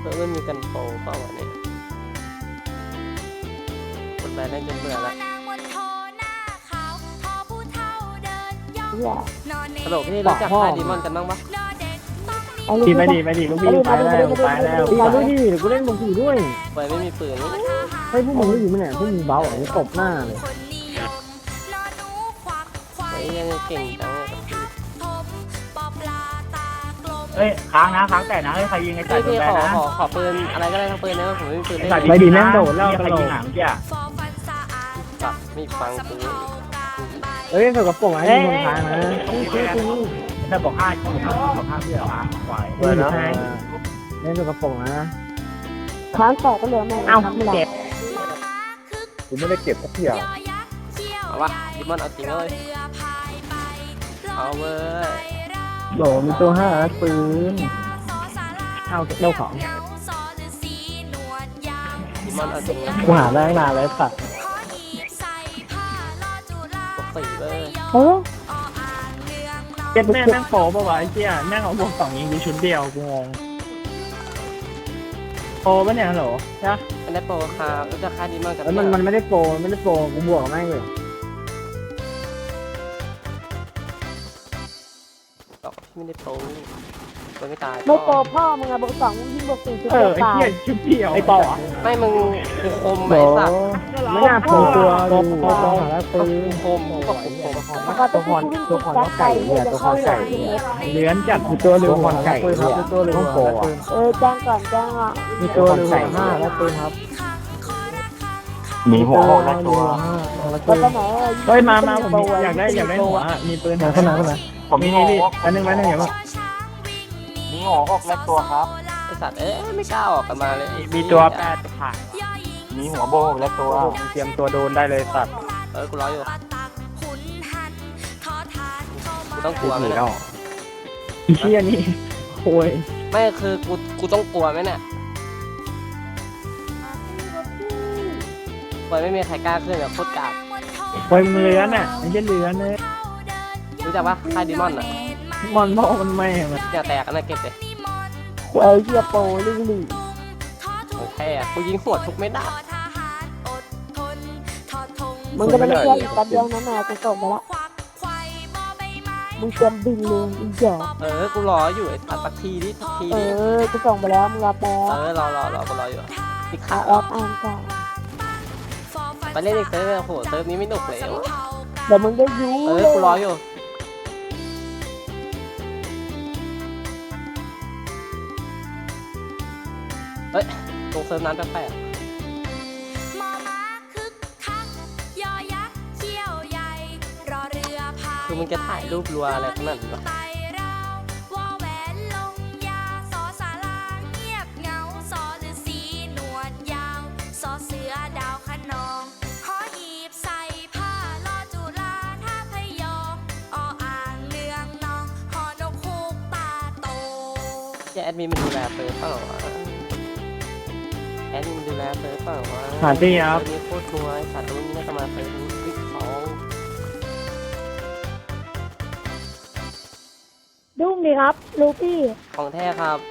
ไม่มีกันโปงเปล่าวะเนี่ยกดไปเล่นจนเบื่อละตลกที่รู้จักค่ายดีมอนกันบ้างปะดีไปดีลูกพี่ไปแล้วดูดิเดี๋ยวกูเล่นบางทีด้วยไปไม่มีปืนนี่ให้พวกมึงไม่อยู่มั้ยเนี่ยพวกมึงเบาอย่างนี้ตบหน้าเลยไปยังเก่งจังเลยเฮ้ยค้างนะค้างแต่นะเฮ้ยใครยิงไอ้สัตว์พี่แบขนนะอปืนอะไรก็ได้ทั้งปืนนะผมไม่มีปืนเล่นไปดีแม่งโดดแล้วใครยิงหลังเจ้าปักมีฟังปืนเอ้ยเขากระโปรงไอ้มึงทางนะถ้าบอก5เพื่อควายเออนะเล่นกระโปรงนะค้างต่อก็เหลือแม่เอาเจ็บกูไม่ได้เก็บสักอย่างเอาวะดีมอนเอาจริงเลยเอาเว้ยโหลมีตัว5ปืนเอาเล่าของดีมอนเอาจริงนะกูหาได้นานแล้วสัตว์ปกติเว้ยเออเจ็บแม่แม่งโผล่ป่าวไอ้เจ้าแม่งเอาบวก2ยิงกูชุดเดียวกูงงโผล่ปะเนี่ยฮัลโหลใช่ไม่ได้โปรครับรู้จักค่ายดีมอนกันแล้วมันไม่ได้โปรกูบวกแม่งเลยตอกไม่ได้โปรไม่ตายไม่โตพ่อมึงอะบอก2ยิ่งบอก4ชุดไอ้ตายเหี้ยชุดเดียวไอ้ต่อไม่มึงกูคมโหไอ้สัตว์ไม่น่าโผล่ตัวดูหาแล้วปืนคมกูก็คมแล้วก็ต้องวิ่งติดจักไก่เนี่ยจะเข้าหลังเลื้อนจัดมีตัวเรือหัวไก่ครับตัวเรือหัวแจ้งก่อนแจ้งอ่ะมีตัวเรือหัวแล้วปืนครับมีหัวหกและตัวก็ไปไหนเฮ้ยมาผมอยากได้หัวมีปืนไหนขึ้นมาผมมีนี่อันนึงอย่ามามีหัวหกและตัวครับไอ้สัตว์ไม่กล้าออกกันมาเลยมีตัว8ผ่านมีหัวโบกและตัวเตรียมตัวโดนได้เลยสัตว์กูรออยู่กูต้องกลัวไหมเชี่ยนี่โวยไม่คือกูต้องกลัวไหมเนี่ยปล่อยไม่มีใครกล้าขึ้นแบบโคตรกากโวยเลื้อนอ่ะไม่ใช่เลื้อนเลยรู้จักปะค่ายดีมอนอ่ะมันบอกมันไม่มันอย่าแตกกันนะเก็บเลยไอ้เหี้ยโปลิงลี่ของแท้กูยิงหัวทุกเม็ดอ่ะมึงก็ไม่ได้แค่แป๊บเดียวนะแม่กูส่งไปละมึงเตรียมบินเลยอีกอย่างกูรออยู่ไอ้สัตว์สักทีดิกูส่งไปแล้วมึงรับแป๊บรอกูรออยู่ติดขาแอปอ่านก่อนไปเล่นอีกเซิร์ฟโอ้โหเซิร์ฟนี้ไม่หนุกเลยเดี๋ยวมึงได้ยูกูรออยู่เฮ้ยตรงเซิร์ฟนั้นแปลกคือมึงจะถ่ายรูปรัวอะไรขนาดนั้นวะแอดมินมันดูแลเซิร์ฟเปล่าวะแอดมินมันดูแลเซิร์ฟเปล่าวะหาที่ครับนี่โคตรนัวไอ้สัตว์รุ่นนี้น่าจะมาเซิร์ฟวิก2 ดุ้งดีครับลูพี่ของแท้ครับ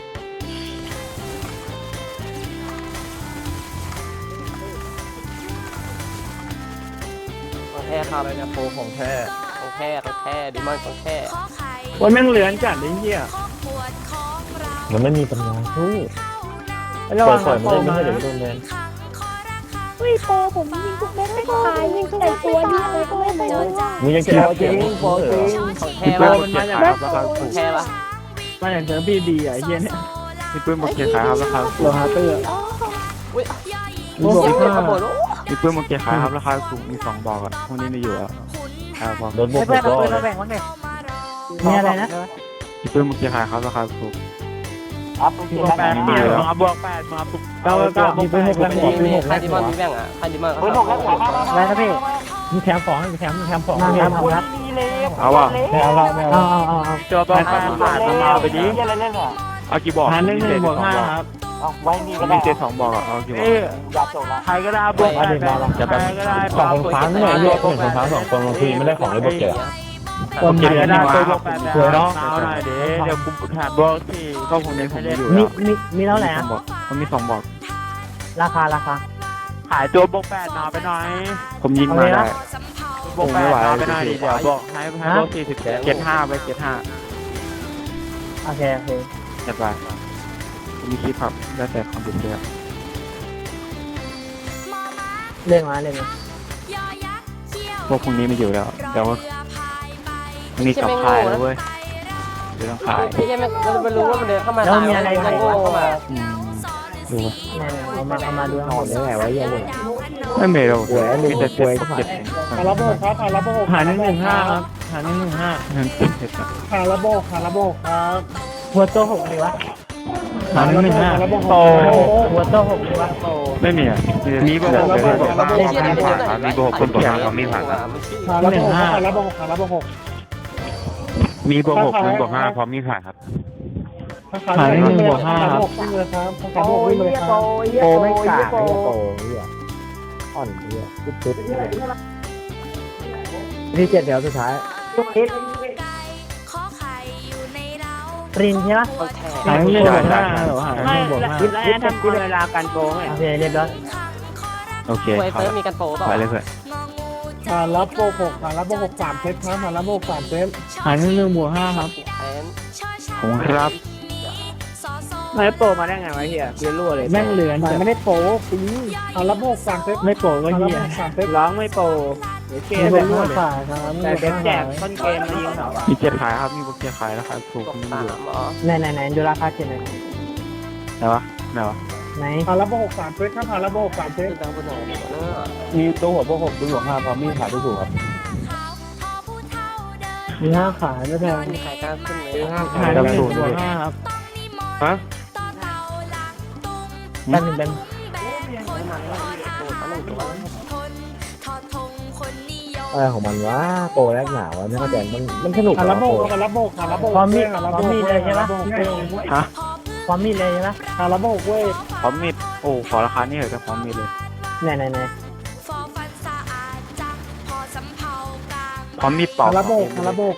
ของแท้ครับอะไรนะโปรของแท้ของแท้ดิมอนของแท้โวยแม่งเลื้อนจัดเลยเหี้ยมันไม่มีปัญญาสู้ระวังโปรมาเฮ้ยโปผมยิงทุกเม็ดไม่ตายยิงทุกตัวนี้อะไรก็ไม่เป็นไรมึงยังจะรอจริงพอจริงของแท้โปรปะมันมาจากของแท้ปะมาจากเจอพี่ดีอ่ะไอ้เหี้ยเนี่ยมีปืนโมเกขายครับราคาโลหะเตอร์อุ้ยบวกเสียงห้าขบวนมีปืนโมเกขายครับราคาสูงมี2บอกอ่ะพวกนี้มีอยู่อ่ะครับผมโดนบวกเพื่อนก็เอาปืนมาแบ่งบ้างดิมีอะไรนะมีปืนโมเกขายครับราคาสูงบวก8เนี่ยมาบวก8มาปุ๊บก็มีปืน6แล้วมีค่ายดิมอนมีแบ่งอ่ะค่ายดิมอนเขาอะไรนะพี่มีแถมของมีแถมของมีแถมของครับเอาว่ะไม่เอาละไม่เอาเอาตัวบอลผ่านมาไปดิเอากี่บอกผ่าน1 บวก 5ครับมีเจ็ด2บอกอ่ะเอากี่บอกใครก็ได้บวก8ใครก็ได้สองคนค้างเนี่ยแยก1 คนค้าง2 คนบางทีไม่ได้ของเลยบวกเจอคนไหนก็ได้ตัวบอกแปดสวยเนาะเอาหน่อยเดี๋ยวกูแถมบอกที่ก็พวกนี้ผมมีอยู่มีแล้วมีเท่าไหร่อะผมมี2บอกราคาขายตัวบอกแปดหนาไปหน่อยผมยิงมาได้บอกแปดหนาไปหน่อยดิเดี๋ยวบอกให้บอก40เจ็ดห้าไปเจ็ดห้าโอเคโอเคจัดไปผมมีคลิปครับได้แต่คอมพิวเตอร์เล่นมาพวกพวกนี้ไม่อยู่แล้วแต่ว่านี่กลับค่ายแล้วเว้ยเดี๋ยวต้องขายพี่แค่ไม่รู้ว่ามันเดินเข้ามาตายมันโง่เข้ามาดูวะเอามาดูหอมได้ไงวะยังไงไม่เมย์เราหวยมีแต่เจ็ดหวยเจ็ดเองหาระโบกครับหาระโบกหา115ครับหา115 นั่นเจ็ดเจ็ดอะหาระโบกครับหัวโตหกเลยวะหา115โตหัวโตหกเลยวะไม่มีอ่ะมีบอกระเบิดเชี่ยนี่เป็นยังไงมีบอกคนบอกมามีผ่านหาระโบกหาระโบกหาระโบกมีบอก6คุณบอก5พร้อมมีผ่านครับหา115ครับวิ่งเลยครับหาระโบกวิ่งเลยครับโปไม่กล้าโปเนี่ยอ่อนเนี่ยตุ๊ดที่7แถวสุดท้ายปรินใช่ไหมคนแทหา115หรอหา115 คิดแล้วทำเวลาการโปไงโอเคเรียบร้อยโอเคไวครัเฟิร์บมีกันโปเปล่าไปเลยเพื่อนหาระโบก6หาระโบก3เซตครับหาระโบก3เซตหา115ครับแทนผมครับไม่โปมาได้ไงวะเฮียเรียนรู้เลยแม่งเหลือไม่ได้โปปีหาระโบก3เซตไม่โปก็เหี้ย3เซตร้องไม่โปเดี๋ยวเกมเป็เป็น นลูรู้กเลยขายครับแต่เด็กแจกต้นเกมมายิงเขามี7ขายครับมีบอก7ขายราคาถูกตกมีสาอยู่มอ๋อไหนดูราคาเจ็ดหน่อยไหนวะไหนวะไหนหาระโบก3เซตครับหาระโบก3เซตคือดังบนไหนเนอะมีตัวหัวพวก6ตัวหัว5พร้อมมีขายถูกครับมี5ขายไม่แพงมีใครกล้าขึ้นไหมขาย115ครับฮะแป๊บนึงอะไรของมันวะโปรแรกหนาวะไม่เข้าใจมันสนุกหาเหรระอโบโปรกหาระโบกหาระโบกพร้อมมีหาระพร้อโบมกมีเลยใช่ไหมฮะพร้อมมีเลยใช่ไหมหาระโบกเว้ยพร้อมมีดโอ้ขอราคานี่เหรอจะพร้อมมีดเลยไหนพร้อมมีดเป่าหาระโบกหาระโบก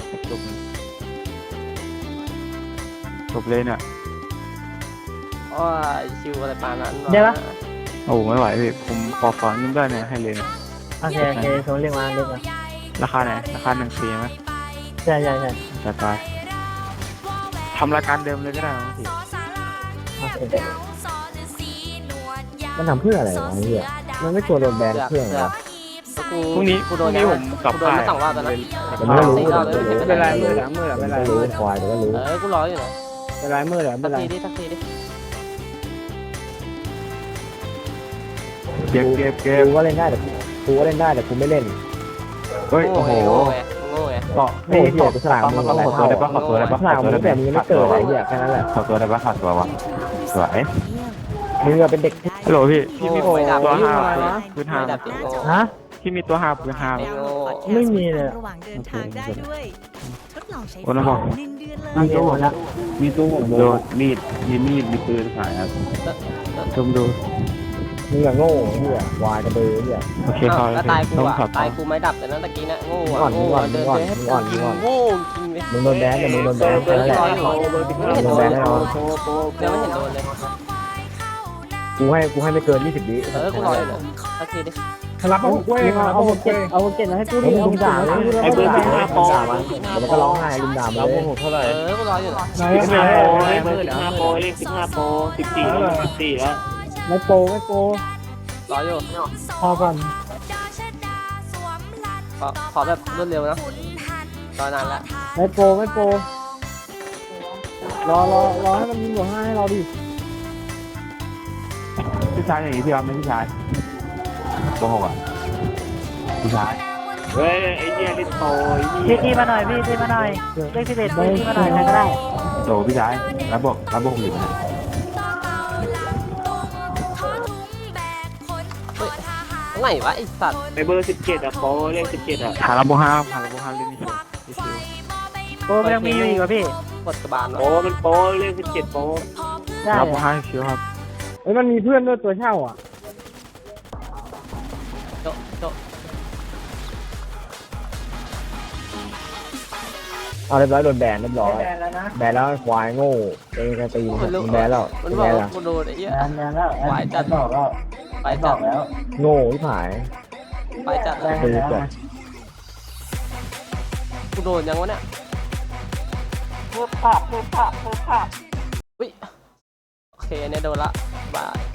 จบเลยเนี่ยอ๋อชิวอะไรปานนั้นโอ้ไม่ไหวพี่ผมขอฟังยิ้มได้เนี่ยให้เลยเนี่ยโอเคโซนเรียกมาราคาไหนราคา1 ปีไหมใช่จัดไปทำรายการเดิมเลยก็ได้ครับพี่โอเคมันทำเพื่ออะไรวะไอ้เหี้ยมันไม่กลัวโดนแบนเครื่องเหรอพรุ่งนี้กูโดนผมกลับโดนไม่สองรอบแล้วนะแต่ไม่รู้เป็นไรมือเป็นไรไม่รู้ควายแต่ก็รู้กูรออยู่นะเป็นไรมือเหรอสัเป็กนไรทีดิสักทีดิเก็บกูก็เล่นได้แต่กูก็เล่นได้แต่กูไม่เล่นเฮ้ยโอ้โหโง่ไงโอ้เหี้ยกูสลามมึงขอตัวได้ปะขอตัวได้ปะสลามมึงแต่มึงยังไม่เกิดอะไรเหี้ยแค่นั้นแหละขอตัวได้ปะขาดตัววะสวยมึงเป็นเด็กฮัลโหลพี่มีโง่ไม่ดับตัวไม่ 5พื้น5 ดับจริงโง่ฮะพี่มีตัว5พื้น5 โง่ไม่มีเลยระหว่างเดินทางได้ด้วยทดลองใช้โอ้นะบอก 1 เดือนเลยมีตัวหมดแล้วมีตู้โดนมีดมีปืนขายครับชมดูมึงอะโง่เหี้ยควายกระเบือเหี้ยโอเคพอแล้วตายกูต้องอ่ะขับตายกูไม่ดับแต่นั้นตะกี้นะโง่อ่อนโง่อ่อนเดินอ่อนให้อ่อนกินอ่อนโง่จริงเลยมึงโดนแบนแต่มึงโดนแบนแค่นั้นแหละรออยู่ไม่เห็นโดนเลยยังไม่เห็นโดนเลยกูให้ไม่เกิน20 วิกูรออยู่นะสักทีดิหาระโบกเว้ยหาระโบกเว้ยเอาเจ็ดมาให้กูมึดิงลุมด่าเลยไอ้เบอร์15 ด่ามันแล้วมันก็ร้องไห้ลุมด่ามันเลยเท่าไหร่กูรออยู่นะไหน 15โปรเลข15โปร14แล้วไม่โปไม่โปรออยู่พอก่อนขอแบบรวดเร็วนะรอนานละไม่โปรอให้มันยิงหัว5ให้เราดิพี่ชายอย่างนี้พี่รับไหมพี่ชายโกหกอ่ะพี่ชายเฮ้ยไอ้เหี้ยลิโตพี่มาหน่อยพี่มาหน่อยเลข11พี่มาหน่อยใครก็ได้โตพี่ชายรับบอกอยู่นะไหนวะไอสัตว์ไอ้เบอร์17อะโปรเลข17อะหาระบบ5หาระบบ5เล่นนี่ชิวโปรยังมีอยู่อีกเหรอพี่กดกระบาลโปรมันโปรเลข17โปรได้ระบบ5ชิวครับเฮ้ยมันมีเพื่อนด้วยตัวเช่าอ่ะโจเอาเรียบร้อยโดนแบนเรียบร้อยแบนแล้วนะแบนแล้วควายโง่เองจะตีมันรู้แบนแล้วมันเป็นบอไงกล่ะว่ากูโดนไอ้เหี้ยแบนแล้วหวายจัดบอกแล้วหวายจัดแล้วโง่ที่ผายหวายจัดแบนแล้วกูโดนยังวะเนี่ยเพิ่มภาพอุ้ยโอเคเนี่ยโดนละบาย